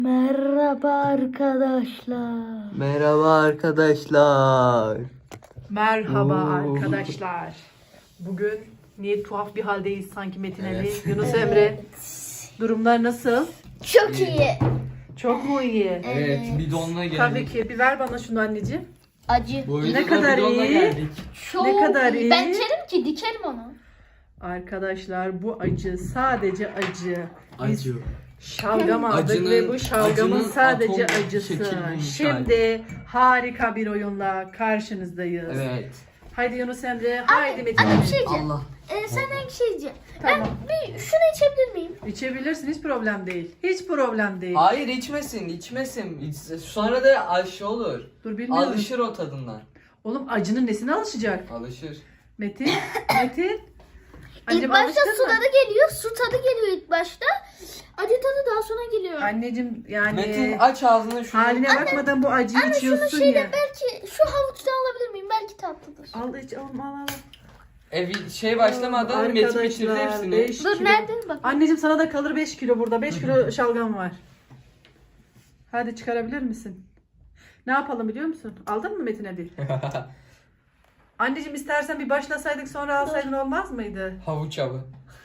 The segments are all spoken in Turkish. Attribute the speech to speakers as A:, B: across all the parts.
A: Merhaba arkadaşlar.
B: Merhaba arkadaşlar.
C: Merhaba
B: Oo.
C: arkadaşlar. Bugün niye tuhaf bir haldeyiz sanki Metin Ali,
B: Evet.
C: Yunus Emre. Durumlar nasıl?
A: Çok iyi.
C: Çok mu iyi?
B: Evet, bidonla geldik.
C: Tabii ki. Bir ver bana şunu anneciğim.
A: Acı.
B: Bu
C: Ne
B: videoda
C: kadar
B: bidonla
C: iyi.
B: geldik.
A: Çok
C: Ne kadar iyi.
A: Ben içerim ki dikerim onu.
C: Arkadaşlar bu acı sadece acı. Biz
B: Acı.
C: şalgam aldık
B: Acının-
C: ve bu şalgamın
B: acının
C: sadece
B: atom
C: acısı.
B: şekilli
C: Şimdi harika bir oyunla karşınızdayız.
B: Evet.
C: Haydi Yunus Emre, haydi Metin
A: Anne bir
C: Ali.
A: şey diyeceğim.
B: Allah.
A: Senden bir şey diyeceğim.
C: Tamam.
A: Bir şunu içebilir miyim?
C: İçebilirsin, hiç problem değil. Hiç problem değil.
B: Hayır içmesin. Sonra da aşı olur.
C: Dur bilmiyorum.
B: Alışır o tadından.
C: Oğlum acının nesine alışacak?
B: Alışır.
C: Metin, Metin.
A: İlk
C: Anneciğim
A: başta
C: alıştın
A: su
C: mı?
A: tadı geliyor. Su tadı geliyor ilk başta. Acı tadı daha sonra geliyor.
C: Anneciğim yani
B: Metin aç ağzını şunu.
C: haline bakmadan bu acıyı
A: Anne şunu
C: içiyorsun
A: şeyde
C: ya.
A: belki şu havuçtan alabilir miyim? Belki tatlıdır.
C: Al iç al.
B: Şey başlamadan Metin bitirdi
C: Arkadaşlar,
B: hepsini.
C: 5
A: Dur
C: kilo.
A: nerede? Bak.
C: Anneciğim sana da kalır 5 kilo burada. 5 kilo şalgam var. Hadi çıkarabilir misin? Ne yapalım biliyor musun? Aldın mı Metin Ali? Anneciğim istersen bir başlasaydık sonra alsaydın olmaz mıydı?
B: Havuç avı.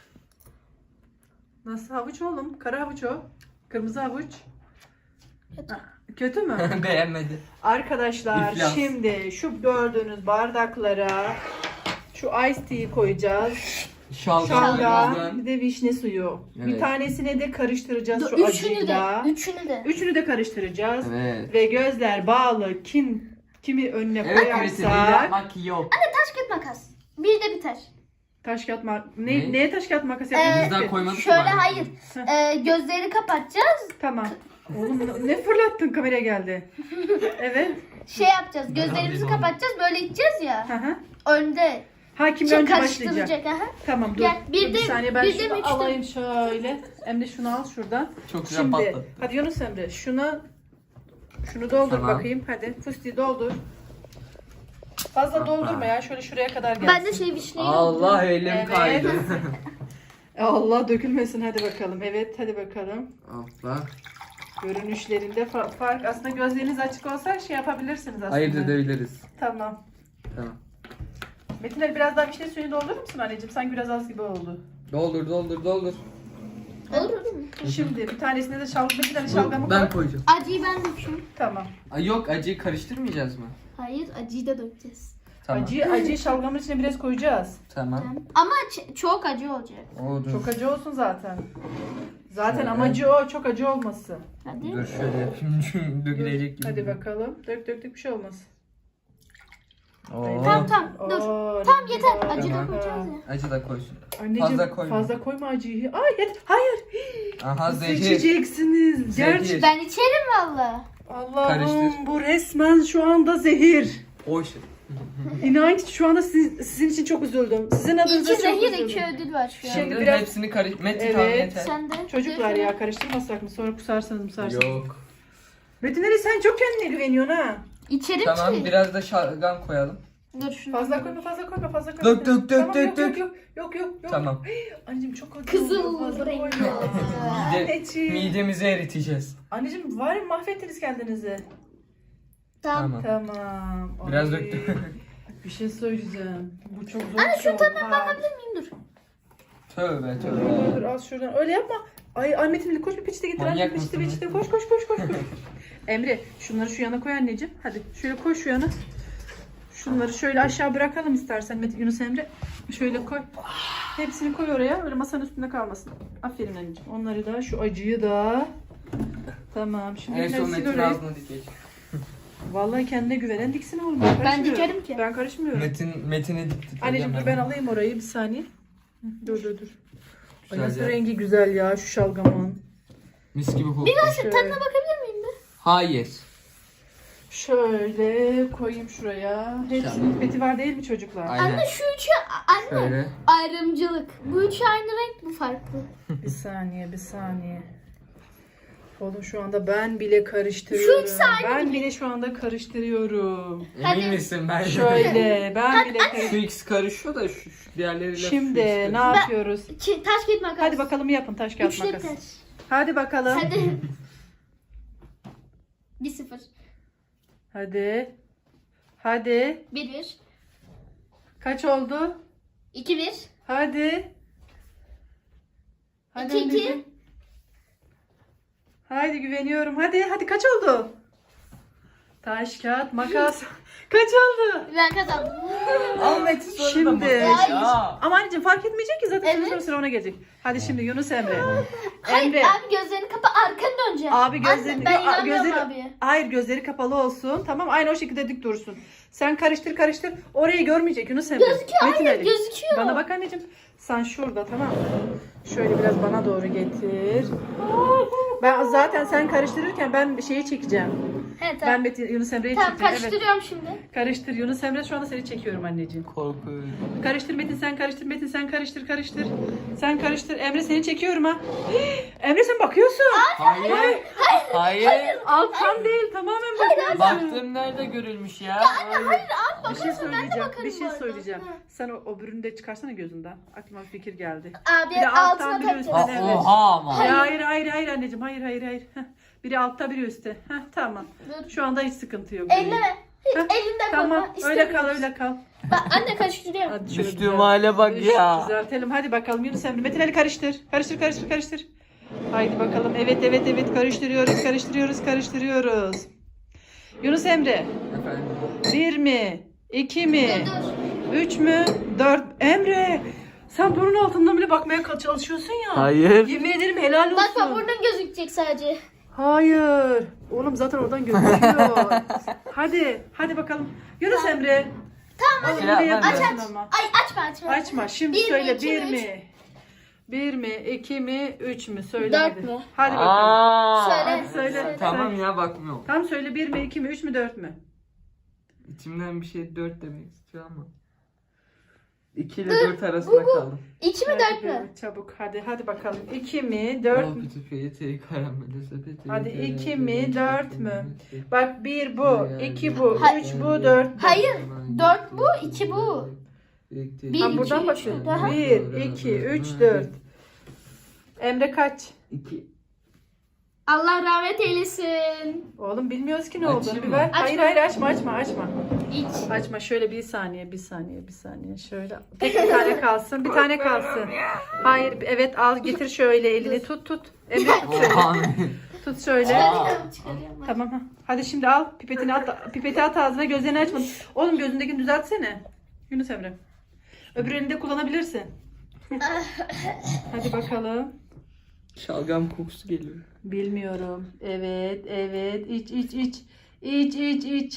C: Nasıl havuç oğlum? Kara havuç o. Kırmızı havuç.
A: Kötü.
C: Ha, kötü mü?
B: Beğenmedi.
C: Arkadaşlar
B: İflas.
C: şimdi şu gördüğünüz bardaklara şu ice tea'yi koyacağız. Şalgam,
B: Şalgam.
C: bir de vişne suyu. Bir
B: Evet.
C: tanesine de karıştıracağız
A: Dur,
C: şu
A: üçünü de.
C: acıyla.
A: Üçünü de.
C: Karıştıracağız.
B: Evet.
C: Ve gözler bağlı kimi önüne
B: Evet Metin
C: koyarsak
B: yapmak yok.
A: Taş kağıt makas. Bir de biter.
C: taş kağıt
B: Ne?
C: neye taş kağıt makas yapıyoruz?
B: Bizden
C: ki?
B: koymadık
A: Şöyle
B: mı?
A: hayır. Gözleri kapatacağız.
C: Tamam. Oğlum ne fırlattın kameraya geldi. Evet.
A: Şey yapacağız. Gözlerimizi kapatacağız. Böyle içeceğiz ya.
C: Hı hı.
A: Önde.
C: Ha kim
A: Şey
C: önce başlayacak?
A: karıştıracak. Aha.
C: Tamam dur.
A: Gel, bir
C: Dur,
A: de-
C: saniye ben
A: bir de
C: şunu
A: mi, üç de
C: alayım şöyle. Emre şunu al şuradan.
B: Çok güzel
C: Şimdi
B: patladı.
C: hadi Yunus Emre şunu doldur
B: Tamam.
C: bakayım hadi. Fıstığı doldur. Fazla
B: Hoppa.
C: doldurma ya şöyle şuraya kadar gelsin.
A: Ben de şey vişneyi
B: Allah elim
C: Evet.
B: kaydı.
C: Allah dökülmesin hadi bakalım. Evet hadi bakalım.
B: Hoppa.
C: Görünüşlerinde fark aslında gözleriniz açık olsa şey yapabilirsiniz aslında.
B: Ayırt edebiliriz.
C: Tamam.
B: Tamam.
C: Metin Ali biraz daha vişne suyunu doldurur musun anneciğim? Sanki biraz az gibi oldu.
B: Doldur.
A: Olur değil mi?
C: Şimdi bir tanesine de Metin Ali şalgamı
B: Ben
C: koy.
B: koyacağım.
A: Acıyı ben döküyorum.
C: Tamam.
B: Ay yok acıyı karıştırmayacağız mı?
A: Hayır acıyı da dökeceğiz.
B: Tamam.
C: Acıyı şalgamın içine biraz koyacağız.
B: Tamam.
A: Ama çok acı olacak.
B: Oldu.
C: Çok acı olsun zaten. Zaten
B: Şöyle.
C: amacı o. Çok acı olması.
A: Hadi.
B: Dur şöyle yapayım. Dökülecek gibi.
C: Hadi bakalım. Dök bir şey olmaz.
B: Oo.
A: Tamam dur.
C: Oo,
A: Tamam
C: rengi
A: yeter.
C: var.
A: Acı da
C: Aha.
A: koyacağız ya.
B: Acı da koysun.
C: Anneciğim
B: Fazla
C: fazla
B: koyma.
C: koyma acıyı. Ay yeter. Hayır.
B: Aha
C: Nasıl
B: zehir.
C: içeceksiniz?
B: Zehir.
C: Gerçi
A: Ben içerim valla.
C: Allah'ım
B: Karıştır.
C: bu resmen şu anda zehir.
B: O şey.
C: İnan ki şu anda sizin için çok üzüldüm. Sizin adınıza
A: İki
C: çok
A: zehir
C: üzüldüm.
A: iki ödül var şu an.
C: Şimdi
B: Şimdi
C: biraz-
B: hepsini Metin
C: Evet.
B: tamam yeter.
A: Sen de.
C: Çocuklar ya karıştırmasak mı? Sonra kusarsanız mısarsınız.
B: Yok.
C: Metin Ali sen çok kendine güveniyorsun ha.
A: İçerim
B: Tamam
A: ki.
B: biraz da şalgam koyalım.
A: Dur şunu.
C: Fazla koyma.
B: Dök, dök,
C: Tamam,
B: dök.
C: Yok.
B: Tamam.
C: Anneciğim çok acı
A: Kızıl
C: oluyor, fazla
A: rengi.
C: koyma. Anneciğim.
B: Midemizi eriteceğiz.
C: Anneciğim var ya mahvettiniz kendinizi.
A: Tamam.
C: Tamam.
B: Biraz
C: Ay,
B: döktüm.
C: Bir şey söyleyeceğim. Bu çok zor.
A: Anne
C: bir şey
A: şu
C: oldu.
A: tadına
C: Ha.
A: bakabilir miyim? Dur.
B: Tövbe
C: Dur
B: tövbe.
C: az şuradan. Öyle yapma. Ay Metin Ali koş bir peçete getir.
B: Manyak
C: Anne
B: mısın
C: peçete. Koş. Emre şunları şu yana koy anneciğim. Hadi şöyle koy şu yana. Şunları şöyle aşağı bırakalım istersen Yunus Emre. Şöyle koy. Hepsini koy oraya. Öyle masanın üstünde kalmasın. Aferin anneciğim. Onları da şu acıyı da. Tamam. Şimdi
B: En son
C: sil
B: Metin
C: orayı.
B: ağzına dikecek.
C: Vallahi kendine güvenen diksin oğlum.
A: Ben
C: karışmıyorum.
A: dikerim ki.
C: Ben karışmıyorum.
B: Metin'i diktik.
C: Anneciğim dur ben alayım orayı bir saniye. Dur. Ay nasıl
B: Güzel ya.
C: rengi güzel ya şu şalgamın.
B: Mis gibi kokuyor.
C: Şöyle,
A: Tadına bakabilir miyim bir?
B: Hayır.
C: şöyle koyayım şuraya. Hepsi
B: Şalgam.
C: vetiver değil mi çocuklar?
B: Aynen.
A: Anne şu üçü anne.
B: Şöyle.
A: Ayrımcılık. Bu üçü aynı renk bu farklı.
C: Bir saniye. Oğlum şu anda ben bile karıştırıyorum.
A: Şu ikisi aynı
C: Ben bile şu anda karıştırıyorum.
A: Hadi.
B: Emin misin ben?
C: Şöyle ben bile
B: Şu
C: karıştırıyorum.
B: ikisi karışıyor da şu diğerleriyle
C: Şimdi
B: şu ikisi
C: ne
B: karışıyor.
C: yapıyoruz?
A: Taş kağıt makas.
C: Hadi bakalım yapın taş kağıt
A: Üçlü
C: makas.
A: taş.
C: Hadi bakalım.
A: Hadi. 1-0.
C: Hadi. Hadi.
A: 1-1.
C: Kaç oldu?
A: 2-1.
C: Hadi. Hadi
A: 2-2.
C: anneciğim. Haydi güveniyorum. Hadi kaç oldu? Taş, kağıt, makas. Kaç oldu?
A: Ben kazandım.
B: Al Metin sonra da
C: Şimdi.
B: makas ya.
C: Ama anneciğim fark etmeyecek ki zaten
A: Evet.
C: sıra ona gelecek. Hadi şimdi Yunus Emre.
A: Hayır
C: Emre.
A: abi gözlerini kapa arkanı döneceksin.
C: Abi gözlerini...
A: Ben
C: Yo,
A: inanmıyorum abiye.
C: Hayır gözleri kapalı olsun. Tamam aynı o şekilde dik dursun. Sen karıştır. Orayı görmeyecek Yunus Emre.
A: Gözüküyor,
C: Metin
A: hayır,
C: Ali.
A: gözüküyor.
C: Bana bak anneciğim. Sen şurada tamam mı? Şöyle biraz bana doğru getir. Ben zaten sen karıştırırken ben bir şeyi çekeceğim.
A: He
C: Ben
A: tamam.
C: Metin, Yunus Emre'yi
A: Tamam
C: çekeceğim. Evet.
A: karıştırıyorum şimdi.
C: Karıştır Yunus Emre şu anda seni çekiyorum anneciğim.
B: Korkuyorum.
C: Karıştır Metin sen karıştır Metin sen karıştır. Sen karıştır. Emre seni çekiyorum ha. Emre sen bakıyorsun.
B: Hayır. Hayır.
C: Alttan değil tamamen bakıyorsun.
B: Baktığım nerede görülmüş ya?
C: Bir şey söyleyeceğim.
A: bakarım
C: Bir şey
A: bu arada.
C: söyleyeceğim.
A: Hı.
C: Sen o bürünü de çıkarsana gözünden. Aklıma bir fikir geldi.
A: Abi
C: Bir de alttan
A: altına
C: biri
A: takacağız.
C: üstten, evet.
B: Oha ama.
C: Hayır anneciğim. Hayır. Heh. Biri altta biri üstte. Heh, tamam.
A: Dur.
C: Şu anda hiç sıkıntı yok.
A: Elleme. Hiç
C: Heh,
A: elinde
C: Tamam
A: koyma.
C: öyle kal
A: İstemiyoruz.
C: öyle kal.
A: Bak anne karıştırıyorum.
C: Hadi şöyle
B: Düştüğüm
C: düzelt-
B: hale bak ya.
C: Düzeltelim. Hadi bakalım Yunus Emre. Metin Ali karıştır. Karıştır. Haydi bakalım. Evet. Karıştırıyoruz. Yunus Emre.
B: Efendim.
C: 1 mi? 2 mi?
A: Dur.
C: 3 mü? 4. Emre. Sen burun altından bile bakmaya çalışıyorsun ya.
B: Hayır.
C: Yemin ederim helal olsun.
A: Bak burnun gözükecek sadece.
C: Hayır. Oğlum zaten oradan gözüküyor. Hadi bakalım. Yunus Emre.
A: Tamam
C: Oğlum
B: hadi.
C: bir de
B: Aç,
C: yapıyorsun
A: aç.
C: ama.
A: Ay açma.
C: Açma. Şimdi
A: Bir mi,
C: söyle
A: iki
C: 1
A: mi, üç?
C: mi? 1 mi? 2 mi? 3 mü? Söyle
A: Dört
C: hadi.
A: mü?
C: Hadi bakalım.
B: Aa.
A: Söyle.
B: Tamam ya bakmıyorum.
C: Tam söyle 1 mi? 2 mi? 3 mü? 4 mü?
B: İçimden bir şey 4 demek istiyor ama. 2 ile 4 arasında kaldım.
A: 2 mi 4 mü?
C: Çabuk hadi bakalım. 2 mi? 4 mü? Hadi 2 mi? 4 mü? Bak 1 bu, 2 bu, 3 bu, 4 bu.
A: Hayır. 4 bu, 2 bu. Bir,
C: Ha,
A: iki,
C: buradan
A: üç,
C: başlıyor.
A: daha.
C: 1, 2, 3, 4. Emre kaç?
B: 2.
A: Allah rahmet eylesin.
C: Oğlum bilmiyoruz ki ne olduğunu.
B: Açayım
C: Bir
B: mı?
C: ver.
A: Açma.
C: Hayır açma.
A: İç.
C: Açma şöyle bir saniye. Şöyle. Tek bir tane kalsın. Bir tane kalsın. Hayır evet al getir şöyle elini tut. Emre tut şöyle. Tut şöyle.
A: Çıkarıyorum.
C: Tamam ha. Hadi şimdi al pipeti at ağzına gözlerini açma. Oğlum gözündekini düzeltsene. Yunus Emre. Öbür elini de kullanabilirsin. Hadi bakalım.
B: Şalgam kokusu geliyor.
C: Bilmiyorum. Evet. İç. İç.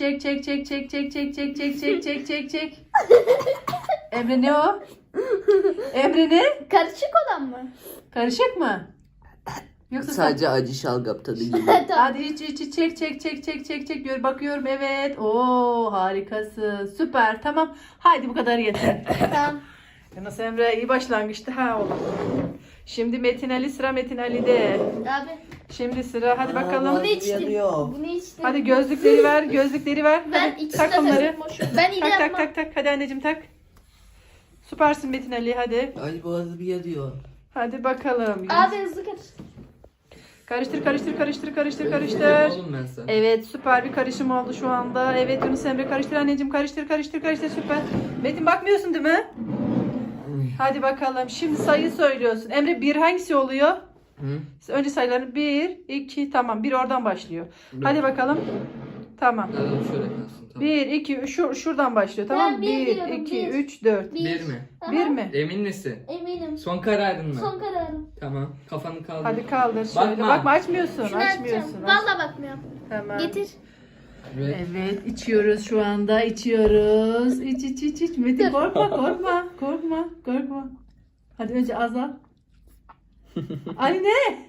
C: Çek. Emre ne o? Emre ne?
A: Karışık olan mı?
C: Karışık mı? Yoksa
B: Sadece acı şalgam tadı geliyor.
A: Tamam.
C: Hadi iç. Çek. Gör bakıyorum evet. Oo harikasın. Süper. Tamam. Haydi bu kadar yeter.
A: Tamam.
C: Yunus Emre iyi başlangıçtı ha oğlum. Şimdi Metin Ali sıra Metin Ali'de.
A: Abi.
C: Şimdi sıra hadi bakalım.
A: Bunu içtim. Bunu içtim.
C: Hadi gözlükleri ver.
A: Ben
C: Hadi,
A: içtim.
C: tak onları.
A: Ben iyi yapmam.
C: Tak. Hadi anneciğim tak. Süpersin Metin Ali hadi.
B: Ay boğazım yanıyor.
C: Hadi bakalım.
A: Abi hızlı karıştır.
C: Karıştır.
B: Oğlum ben sana.
C: Evet süper bir karışım oldu şu anda. Evet Yunus Emre karıştır anneciğim karıştır süper. Metin bakmıyorsun değil mi? Hadi bakalım şimdi sayı söylüyorsun. Emre bir hangisi oluyor?
B: Hı?
C: Önce sayıları 1, 2 tamam 1 oradan başlıyor. Hadi bakalım. Tamam.
B: Şöyle kalsın tamam.
C: 1, 2, şuradan başlıyor tamam mı?
A: Ben bir
C: 1,
A: diyorum,
C: 2,
A: bir.
C: 3, 4.
B: 1 mi?
A: Aha,
C: 1 mi?
B: Emin misin?
A: Eminim.
B: Son kararın mı?
A: Son kararım.
B: Tamam. Kafanı kaldır.
C: Hadi kaldır şöyle.
B: Bakma.
C: Bakma açmıyorsun.
A: Şunu
C: Açmıyorsun.
A: açacağım. Valla bakmıyorum.
C: Tamam.
A: Getir.
B: Evet.
C: Evet içiyoruz şu anda içiyoruz. İç. Metin korkma. Hadi önce az al. Ali ne?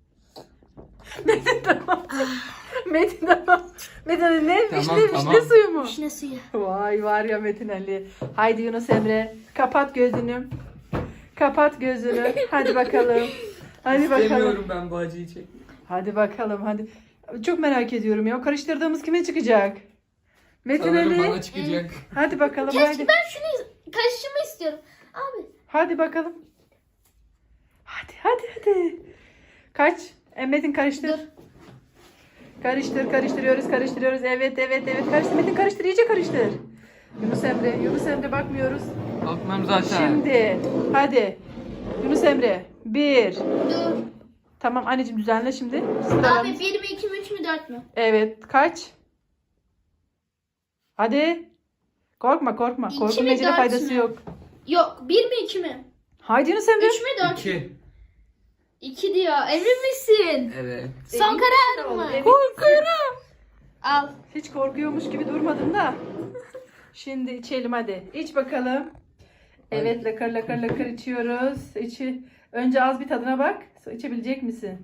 C: Metin tamam. Metin Ali ne?
B: Tamam,
C: Vişne
B: tamam.
C: suyu mu?
A: Vişne suyu.
C: Vay var ya Metin Ali. Haydi Yunus Emre kapat gözünü. Hadi bakalım.
B: İstemiyorum ben bu acıyı çekmek.
C: Hadi bakalım hadi. Çok merak ediyorum ya. O karıştırdığımız kime çıkacak? Metin
B: Sanırım
C: Ali.
B: bana çıkacak.
C: Hadi bakalım
A: Keşke
C: haydi.
A: ben şunu karıştırma istiyorum. Abi.
C: Hadi bakalım. Hadi. Kaç? Metin karıştır.
A: Dur.
C: Karıştırıyoruz. Evet. Karıştır Metin, karıştır, iyice karıştır. Yunus Emre bakmıyoruz.
B: Bakmam zaten.
C: Şimdi hadi. Yunus Emre 1.
A: Dur.
C: Tamam anneciğim, düzenle şimdi.
A: Abi
C: Sıralarımız.
A: 1 mi 2 mi 3 mü 4 mü?
C: Evet, kaç? Hadi. Korkma.
A: İki
C: Korkunun
A: mi,
C: ecele
A: dört
C: faydası
A: mü?
C: yok.
A: Yok 1 mi 2 mi?
C: Haydi Yunus Emre.
A: 3 mü 4 mü?
B: 2.
A: 2 diyor. Emin misin?
B: Evet.
A: Son karar mı?
C: Evet.
A: Al.
C: Hiç korkuyormuş gibi durmadın da. Şimdi içelim hadi. İç bakalım. Evet, lakır içiyoruz. Önce az bir tadına bak. İçebilecek misin?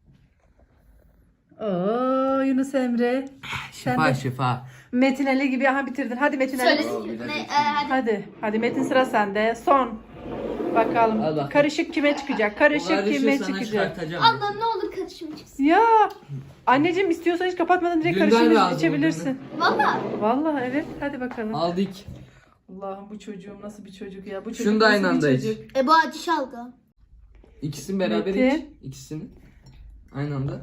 C: Oo Yunus Emre. Sen de
B: Şifa.
C: Metin Ali gibi bitirdin. Hadi Metin Ali.
A: Söylesin. Hadi.
C: Hadi Metin, sıra sende. Son. Bakalım.
B: Al bak.
C: Karışık kime çıkacak? Karışık kime çıkacak?
A: Allah ne olur karışım çıksın.
C: Ya anneciğim, istiyorsan hiç kapatmadan direkt
B: Günden
C: karışık
B: lazım
C: içebilirsin.
A: Valla.
C: Vallahi evet. Hadi bakalım.
B: Aldık.
C: Allah'ım, bu çocuğum nasıl bir çocuk ya? Bu çocuk
B: Şunu da
C: nasıl
B: aynı
C: bir
B: anda iç.
C: çocuk?
A: Bu acı şalgam.
B: İkisini beraber
C: Metin.
B: iç. İkisini. Aynı anda.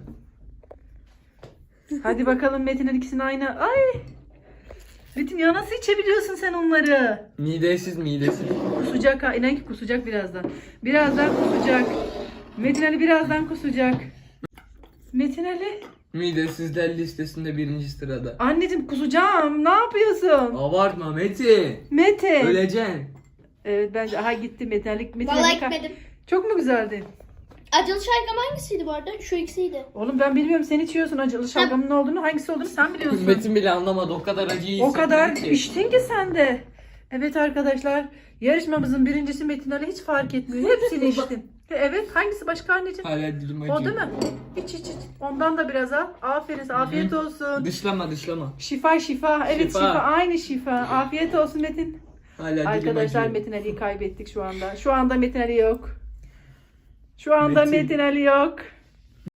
C: Hadi bakalım Metin'in ikisini aynı. Ay! Metin ya, nasıl içebiliyorsun sen onları?
B: Midesiz.
C: Kusacak ha. İnan ki kusacak birazdan. Birazdan kusacak. Metin Ali birazdan kusacak. Metin Ali.
B: Midesizler listesinde 1. sırada.
C: Anneciğim, kusacağım. Ne yapıyorsun?
B: Abartma Metin.
C: Metin.
B: Öleceksin.
C: Evet, bence gitti Metin Ali.
A: Valla
C: Ali
A: gitmedim.
C: Çok mu güzeldi?
A: Acılı şalgam hangisiydi bu arada? Şu ikisiydi.
C: Oğlum ben bilmiyorum, sen içiyorsun acılı şalgamın ne olduğunu, hangisi olduğunu sen biliyorsun.
B: Metin bile anlamadı. O kadar acıyı
C: O kadar
B: hissetmedi ki.
C: içtin ki sen de. Evet arkadaşlar, yarışmamızın birincisi Metin Ali, hiç fark etmiyor. Hepsini içtim. Evet, hangisi başka anneciğim?
B: Hala dilim acıyor.
C: O değil mi? İç. Ondan da biraz al. Aferin, afiyet olsun.
B: Dışlama.
C: Şifa. Evet şifa. Aynı şifa. Afiyet olsun Metin.
B: Hala dilim
C: Arkadaşlar
B: acıyor.
C: Metin Ali'yi kaybettik şu anda. Şu anda Metin Ali yok. Şu anda
B: Metin.
C: Metin Ali yok.